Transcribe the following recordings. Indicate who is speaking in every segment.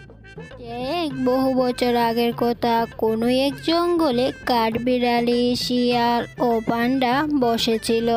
Speaker 1: এক বহু বছর আগের কথা, কোনো এক জঙ্গলে কাঠবিড়ালি, শিয়াল ও পান্ডা বসেছিল।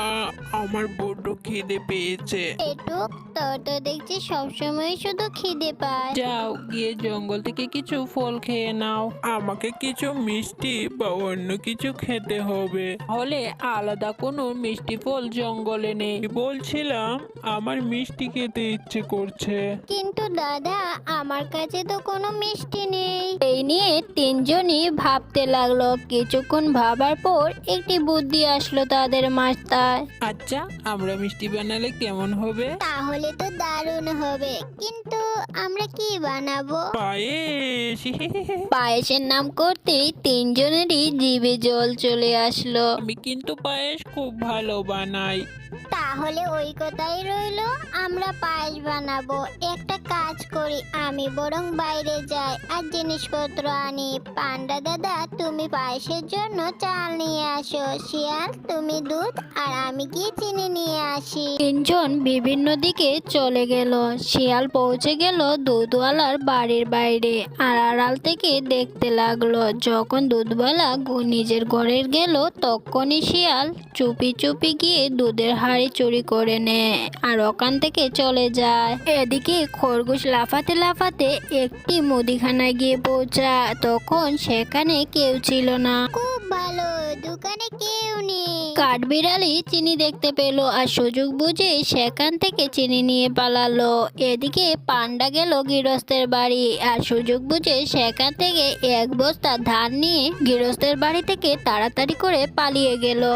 Speaker 2: আমার বড্ড খিদে পেয়েছে।
Speaker 1: পেটুক, তোর তো দেখছি সবসময় শুধু খিদে পায়।
Speaker 2: যাও গিয়ে জঙ্গল থেকে কিছু ফল খেয়ে নাও। আমাকে কিছু মিষ্টি বা অন্য কিছু খেতে হবে, হলে আলাদা কোনো মিষ্টি ফল জঙ্গলে নেই। বলছিলাম আমার মিষ্টি খেতে ইচ্ছে করছে।
Speaker 1: কিন্তু দাদা, আমার কাছে তো কোনো মিষ্টি নেই। এই নিয়ে তিনজনই ভাবতে লাগলো। কিছুক্ষণ ভাবার পর একটি বুদ্ধি আসলো তাদের মাথায়।
Speaker 2: আচ্ছা, আমরা মিষ্টি বানালে কেমন হবে?
Speaker 1: তাহলে তো দারুণ হবে, কিন্তু আমরা কি বানাবো?
Speaker 2: পায়েস।
Speaker 1: পায়েসের নাম করতেই তিনজনেরই জিভে জল চলে আসলো।
Speaker 2: আমি কিন্তু পায়েস খুব ভালো বানাই।
Speaker 1: তাহলে ওই কথাই রইলো, আমরা পায়েস বানাবো। একটা কাজ করি, আমি বরং বাইরে যাই আর জিনিসপত্র আনি। পান্ডা দাদা, তুমি পায়েসের জন্য চাল নিয়ে আসো। শিয়াল, তুমি দুধ, আর আমি গিয়ে চিনি নিয়ে আসি। তিনজন বিভিন্ন দিকে চলে গেল। শিয়াল পৌঁছে গেল দুধওয়ালার বাড়ির বাইরে, আর আড়াল থেকে দেখতে লাগলো। যখন দুধওয়ালা নিজের ঘরে গেল, তখনই শিয়াল চুপি চুপি গিয়ে দুধের হাড়ি চুরি করে নেয় আর ওখান থেকে চলে যায়। এদিকে খরগোশ লাফাতে লাফাতে একটি মুদিখানায় গিয়ে পৌঁছায়। তখন সেখানে কেউ ছিল না। খুব ভালো, দোকানে কেউ নেই। কাঠবিড়ালি চিনি দেখতে পেল আর সুযোগ বুঝে সেখান থেকে চিনি নিয়ে পালালো। এদিকে পান্ডা গেল গৃহস্থের বাড়ি আর সুযোগ বুঝে সেখান থেকে এক বস্তা ধান নিয়ে গৃহস্থের বাড়ি থেকে তাড়াতাড়ি করে পালিয়ে গেল।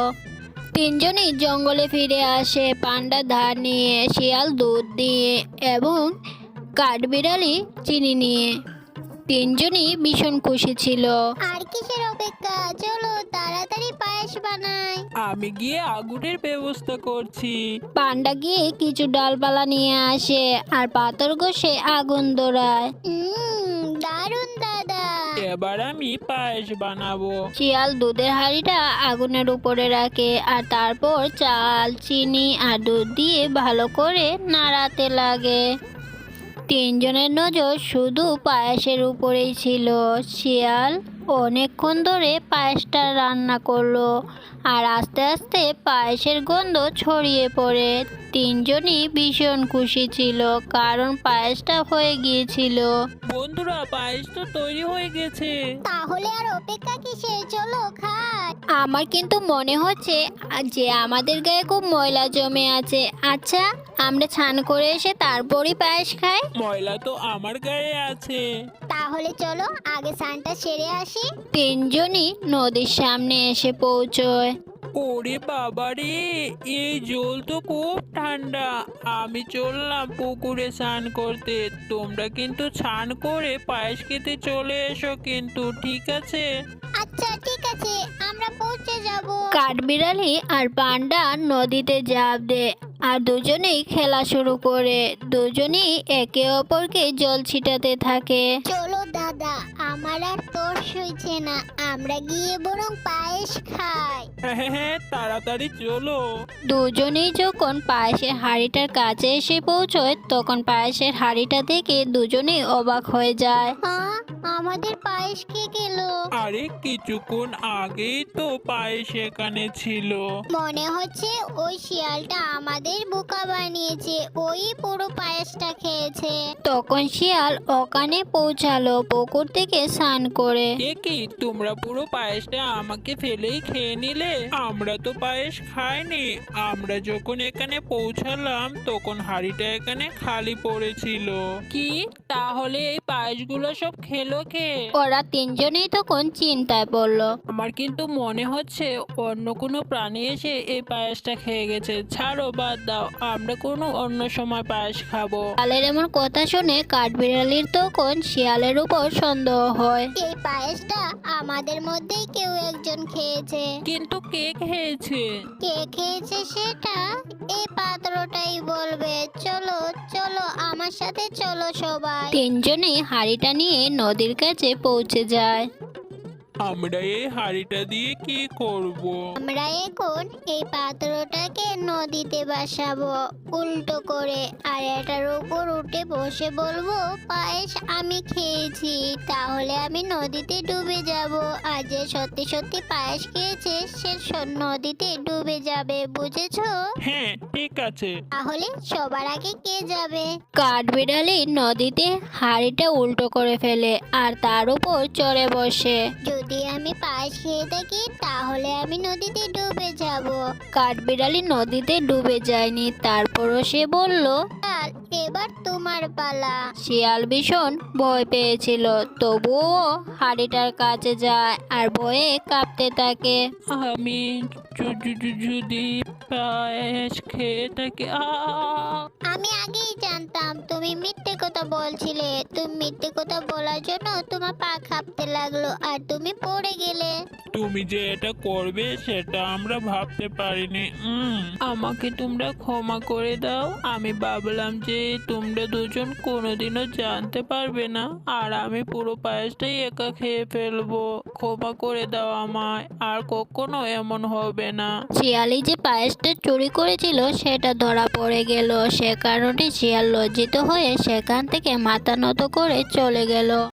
Speaker 1: তিনজনই জঙ্গলে ফিরে আসে, পান্ডা ধান নিয়ে, শিয়াল দুধ দিয়ে এবং কাঠবিড়ালি চিনি নিয়ে। তিনজনই ভীষণ খুশি ছিল। আর কিসের অপেক্ষা, চলো তাড়াতাড়ি পায়েস বানাই।
Speaker 2: আমি গিয়ে আগুনের ব্যবস্থা করছি।
Speaker 1: পান্ডা গিয়ে কিছু ডালপালা নিয়ে আসে আর পাথর ঘষে আগুন ধরায়। দারুণ দাদা।
Speaker 2: এবার আমি পায়েস বানাবো।
Speaker 1: শিয়াল দুধের হাঁড়িটা আগুনের উপরে রাখে আর তারপর চাল, চিনি আর দুধ দিয়ে ভালো করে নাড়াতে লাগে। তিনজনের নজর শুধু পায়েসের উপরেই ছিল। শিয়াল অনেকক্ষণ ধরে পায়েসটা রান্না করলো আর আস্তে আস্তে পায়েসের গন্ধ ছড়িয়ে পড়ে। তিনজনই ভীষণ খুশি ছিল, কারণ পায়েসটা হয়ে গিয়েছিল।
Speaker 2: বন্ধুরা, পায়েস তো তৈরি হয়ে গেছে।
Speaker 1: তাহলে আর অপেক্ষা কিসের, চলো খাই। আমার কিন্তু মনে হচ্ছে যে আমাদের গায়ে খুব ময়লা জমে আছে। আচ্ছা, আমরা স্নান করে এসে তারপরই পায়েস খাই।
Speaker 2: ময়লা তো আমার গায়ে আছে।
Speaker 1: তাহলে চলো আগে স্নানটা সেরে আসি। তিনজনই নদীর সামনে এসে পৌঁছয়।
Speaker 2: ওরে বাবারে, এই জল তো খুব ঠান্ডা। আমি চললাম পুকুরে স্নান করতে। তোমরা কিন্তু স্নান করে পায়েস খেতে চলে এসো কিন্তু, ঠিক আছে?
Speaker 1: আচ্ছা ঠিক আছে, আমরা পৌঁছে যাব। কাঠবিড়ালি আর পান্ডা নদীতে ঝাঁপ দেয় আর দুজনেই খেলা শুরু করে। দুজনেই একে অপরকে জল ছিটাতে থাকে। চলো দাদা, আমার আর তর্স হইছে না, আমরা গিয়ে বরং পায়েস খাই।
Speaker 2: হ্যাঁ হ্যাঁ, তাড়াতাড়ি চলো।
Speaker 1: দুজনেই যখন পায়েসের হাঁড়িটার কাছে এসে পৌঁছয়, তখন পায়েসের হাঁড়িটা দেখে দুজনেই অবাক হয়ে যায়। আমাদের পায়েস কে গেল?
Speaker 2: আরে কিছুক্ষণ আগেই তো পায়েস এখানে ছিল।
Speaker 1: মনে হচ্ছে ওই শিয়ালটা আমাদের বোকা বানিয়েছে, ওই পুরো পায়েসটা খেয়েছে। তখন শিয়াল ওখানে পৌঁছালো পুকুর থেকে স্নান করে।
Speaker 2: এ কি, তোমরা পুরো পায়েসটা আমাকে ফেলেই খেয়ে নিলে? আমরা তো পায়েস খাইনি। আমরা যখন এখানে পৌঁছালাম তখন হাঁড়িটা এখানে খালি পড়েছিল। কি, তাহলে এই পায়েসগুলো সব খেলো কে?
Speaker 1: ওরা তিনজনেই তখন চিন্তায় পড়লো।
Speaker 2: আমার কিন্তু মনে হচ্ছে অন্য কোনো প্রাণী এসে এই পায়েসটা খেয়ে গেছে। ছাড়ো, বাদ দাও, আমরা কোনো অন্য সময় পায়েস খাবো।
Speaker 1: শিয়ালের এমন কথা শুনে কাঠবিড়ালির তখন শিয়ালের উপর সন্দেহ হয়। এই পায়েসটা আমাদের মধ্যেই কেউ একজন খেয়েছে।
Speaker 2: কিন্তু কে খেয়েছে?
Speaker 1: কে খেয়েছে সেটা এই পাত্রটাই বলবে। চলো চলো, আমার সাথে চলো সবাই। তিনজনেই হাঁড়িটা নিয়ে নদীর কাছে পৌঁছে যায়।
Speaker 2: আমরা এই হাঁড়িটা দিয়ে কি করব?
Speaker 1: আমরা এখন এই পাত্রটাকে নদীতে বসাবো উল্টো করে, আর এটার উপর উঠে বসে বলবো পায়েস আমি খেয়েছি, তাহলে আমি নদীতে ডুবে যাব। আর যে সত্যি সত্যি পায়েস খেয়েছে সে নদীতে ডুবে যাবে, বুঝেছো?
Speaker 2: হ্যাঁ, ঠিক আছে।
Speaker 1: তাহলে সবার আগে কে যাবে?
Speaker 3: কাঠবিড়ালি নদীতে হাঁড়িটা উল্টো করে ফেলে আর তার উপর চড়ে বসে।
Speaker 1: যদি আমি পায়েস খেয়ে থাকি তাহলে আমি নদীতে ডুবে যাব।
Speaker 3: কাঠবিড়ালি নদীতে ডুবে যায়নি, তারপরও সে বলল।
Speaker 1: আর এবার তোমার পালা।
Speaker 3: শিয়াল ভীষণ ভয় পেয়েছিল, তবুও হাঁড়িটার কাছে যায় আর ভয়ে কাঁপতে থাকে।
Speaker 2: আমি যদি পায়েস খেয়ে থাকি,
Speaker 1: আমি আগেই জানতাম তুমি মিথ্যে কথা বলছিলে। তুমি মিথ্যে কথা বলার জন্য তোমার পা কাঁপতে লাগলো আর তুমি পড়ে গেলে।
Speaker 2: তুমি যে এটা করবে সেটা আমরা ভাবতে পারিনি। আমাকে তোমরা ক্ষমা করে দাও। আমি ভাবলাম যে তোমরা দুজন কোনোদিনও জানতে পারবে না, আর আমি পুরো পায়েসটাই একা খেয়ে ফেলবো। ক্ষমা করে দাও আমায়, আর কখনো এমন হবে না।
Speaker 3: শিয়ালি যে পায়েসটা চুরি করেছিল সেটা ধরা পড়ে গেল, সে কারণে শিয়াল লজ্জিত হয়ে সেখান থেকে মাথা নত করে চলে গেল।